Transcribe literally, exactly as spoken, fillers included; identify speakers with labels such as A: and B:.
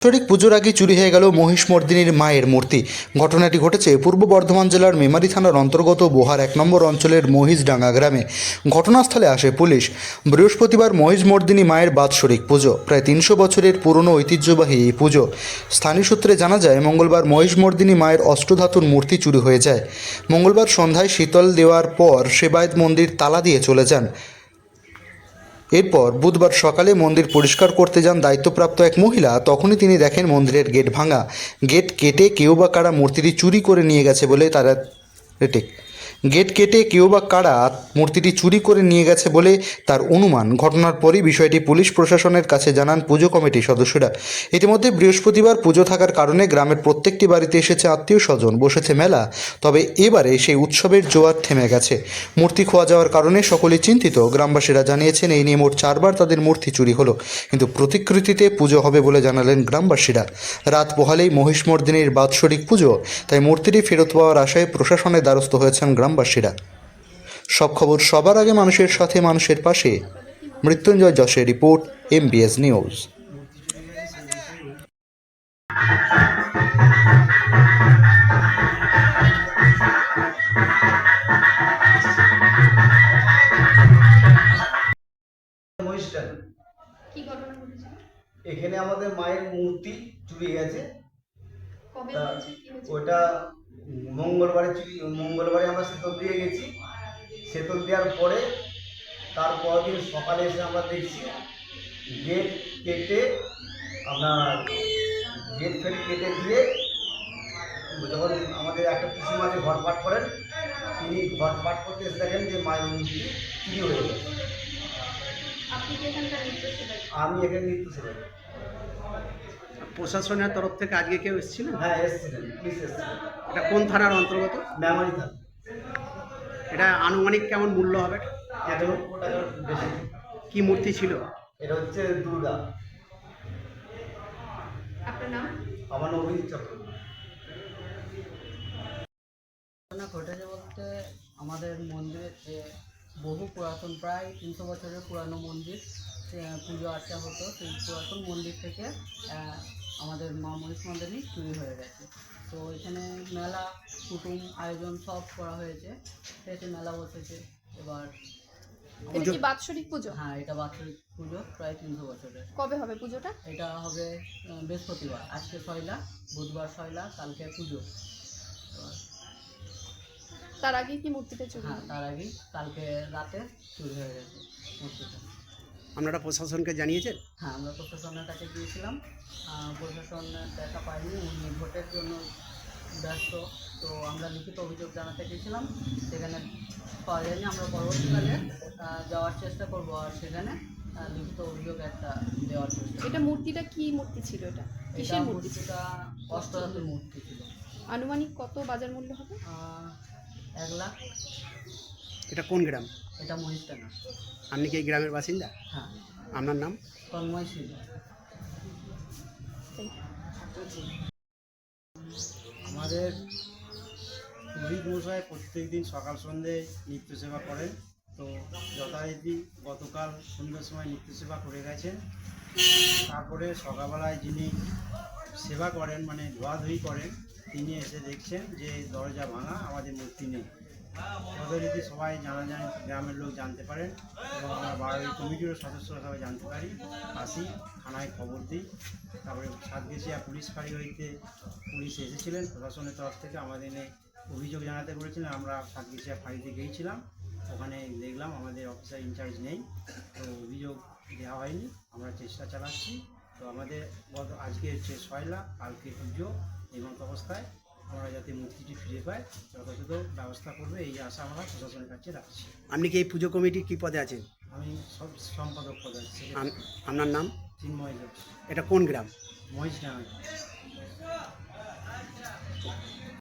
A: বাৎসরিক পুজোর আগে চুরি হয়ে গেল মহিষমর্দিনীর মায়ের মূর্তি। ঘটনাটি ঘটেছে পূর্ব বর্ধমান জেলার মেমারি থানার অন্তর্গত বোহার এক নম্বর অঞ্চলের মহিষডাঙ্গা গ্রামে। ঘটনাস্থলে আসে পুলিশ। বৃহস্পতিবার মহিষমর্দিনী মায়ের বাৎসরিক পুজো। প্রায় তিনশো বছরের পুরনো ঐতিহ্যবাহী এই পুজো। স্থানীয় সূত্রে জানা যায়, মঙ্গলবার মহিষমর্দিনী মায়ের অষ্টধাতুর মূর্তি চুরি হয়ে যায়। মঙ্গলবার সন্ধ্যায় শীতল দেওয়ার পর সেবায়েত মন্দির তালা দিয়ে চলে যান। এরপর বুধবার সকালে মন্দির পরিষ্কার করতে যান দায়িত্বপ্রাপ্ত এক মহিলা। তখনই তিনি দেখেন মন্দিরের গেট ভাঙা। গেট কেটে কেউ বা কারা মূর্তিটি চুরি করে নিয়ে গেছে বলে তারা রেটে গেট কেটে কেউ বা কারা মূর্তিটি চুরি করে নিয়ে গেছে বলে তার অনুমান। ঘটনার পরই বিষয়টি পুলিশ প্রশাসনের কাছে জানান পুজো কমিটির সদস্যরা। ইতিমধ্যে বৃহস্পতিবার পুজো থাকার কারণে গ্রামের প্রত্যেকটি বাড়িতে এসেছে আত্মীয় স্বজন, বসেছে মেলা। তবে এবারে সেই উৎসবের জোয়ার থেমে গেছে। মূর্তি খোয়া যাওয়ার কারণে সকলেই চিন্তিত। গ্রামবাসীরা জানিয়েছেন, এই নিয়ে মোট চারবার তাদের মূর্তি চুরি হলো, কিন্তু প্রতিকৃতিতে পুজো হবে বলে জানালেন গ্রামবাসীরা। রাত পোহালেই মহিষমর্দিনীর বাৎসরিক পুজো, তাই মূর্তিটি ফেরত পাওয়ার আশায় প্রশাসনের দ্বারস্থ হয়েছেন গ্রামবাসীরা। সব খবর সবার আগে মানুষের সাথে, মানুষের পাশে। মৃত্যুঞ্জয় যশের রিপোর্ট, এমবিএস নিউজ।
B: মহিষডাঙ্গা
C: কি ঘটনা ঘটেছে?
B: এখানে আমাদের মায়ের মূর্তি চুরি গেছে।
C: কবে
B: তা
C: হয়েছে? কি হয়েছে?
B: ওটা মঙ্গলবারে চুরি মঙ্গলবারে আমরা সেতল দিয়ে গেছি। সেতল দেওয়ার পরে তার পরের দিন সকালে এসে আমরা দেখছি গেট কেটে আপনার গেট ফেট কেটে দিয়ে যখন আমাদের একটা পিসিমা যে ঘট পাঠ করেন, তিনি ঘট পাঠ করতে এসে দেখেন যে মায়ের মূর্তি চুরি হয়ে গেছে।
C: আপনি কি এখানকার নৃত্য সেবায়?
B: আমি এখানে নৃত্য সেবাই।
D: প্রশাসনের তরফ থেকে আজকে কেউ এসেছিলেন?
B: হ্যাঁ, এসেছিলেন, পুলিশ এসেছিলেন।
D: এটা কোন থানার অন্তর্গত?
B: মেমারি থানা।
D: এটা আনুমানিক কেমন মূল্য হবে?
B: এক লক্ষ টাকার বেশি।
D: কি মূর্তি ছিল?
B: এটা হচ্ছে দুর্গা।
C: আপনার নাম?
B: আমার নাম অভিজিৎ চক্রবর্তী।
E: ঘটনা ঘটেছে বলতে, আমাদের মন্দিরে যে বহু পুরাতন, প্রায় তিনশো বছরের পুরানো মন্দির, সে পুজো আর্চা হতো। সেই পুরাতন মন্দির থেকে আহ, আমাদের মা মহিষমর্দিনী চুরি হয়ে গেছে। তো এখানে মেলা, কুটুম আয়োজন সব করা হয়েছে। সেটি মেলা বসেছে এবার।
C: এটা কি বাৎসরিক পুজো?
E: হ্যাঁ, এটা বাৎসরিক পুজো, প্রায় তিনশো বছরের।
C: কবে হবে পুজোটা?
E: এটা হবে আহ, বৃহস্পতিবার। আজকে সয়লা, বুধবার সয়লা, কালকে পুজো। এবার
C: তার আগে কি মূর্তিটা চুরি
E: হ্যাঁ,
C: হলো?
E: তার আগেই কালকে রাতে চুরি হয়ে গেছে মূর্তিটা।
D: আপনারা প্রশাসনকে জানিয়েছেন?
E: হ্যাঁ, আমরা প্রশাসনের কাছে গিয়েছিলাম। আহ, প্রশাসন দেখা পাইনি, উনি ভোটের জন্য ব্যস্ত। তো আমরা লিখিত অভিযোগ জানাতে গিয়েছিলাম, সেখানে পাওয়া যায়নি। আমরা পরবর্তীকালে আহ, যাওয়ার চেষ্টা করব, আর সেখানে আহ, লিখিত অভিযোগ একটা দেওয়ার চেষ্টা করব।
C: এটা মূর্তিটা কি মূর্তি ছিল? এটা
E: এটা
C: কিসের মূর্তি ছিল?
E: মূর্তিটা অষ্টধাতুর মূর্তি ছিল।
C: আনুমানিক কত বাজার মূল্য হবে?
E: আহ, এক লাখ।
D: এটা কোন গ্রাম?
E: এটা মহিষডাঙ্গা।
D: আপনি কি এই গ্রামের বাসিন্দা?
E: হ্যাঁ,
D: আপনার নাম?
E: তন্ময় শীল।
F: আমাদের পুরোহিত মশাই প্রত্যেক দিন সকাল সন্ধ্যে নিত্য সেবা করেন। তো যথারীতি গতকাল সন্ধ্যার সময় নিত্য সেবা করে গেছেন। তারপরে সকালবেলায় যিনি সেবা করেন, মানে ধোয়াধুয়ি করেন, তিনি এসে দেখছেন যে দরজা ভাঙা, আমাদের মূর্তি নেই। যথারীতি সবাই জানা যায়, গ্রামের লোক জানতে পারেন এবং আমরা বাড়ির কমিটিরও সদস্যরা সবাই জানতে পারি। আসি, থানায় খবর দিই। তারপরে সাতগেছিয়া পুলিশ ফাঁড়ি হইতে পুলিশ এসেছিলেন প্রশাসনের তরফ থেকে, আমাদের এনে অভিযোগ জানাতে বলেছিলেন। আমরা সাতগেছিয়া ফাঁড়িতে গিয়েছিলাম, ওখানে দেখলাম আমাদের অফিসার ইনচার্জ নেই, তো অভিযোগ দেওয়া হয়নি। আমরা চেষ্টা চালাচ্ছি। তো আমাদের গত আজকে হচ্ছে সয়লা, কালকে পুজো, এই মতো অবস্থায় আমরা যাতে মূর্তিটি ফিরে পাই যথাযথ ব্যবস্থা করবে, এই আশা আমরা প্রশাসনের কাছে রাখছি।
D: আপনি কি এই পুজো কমিটির কী পদে আছেন?
F: আমি সব সম্পাদক পদে আছি।
D: আম- আপনার নাম?
F: চিন্ময় দাস,
D: এটা কোন গ্রাম?
F: মহিষডাঙ্গা।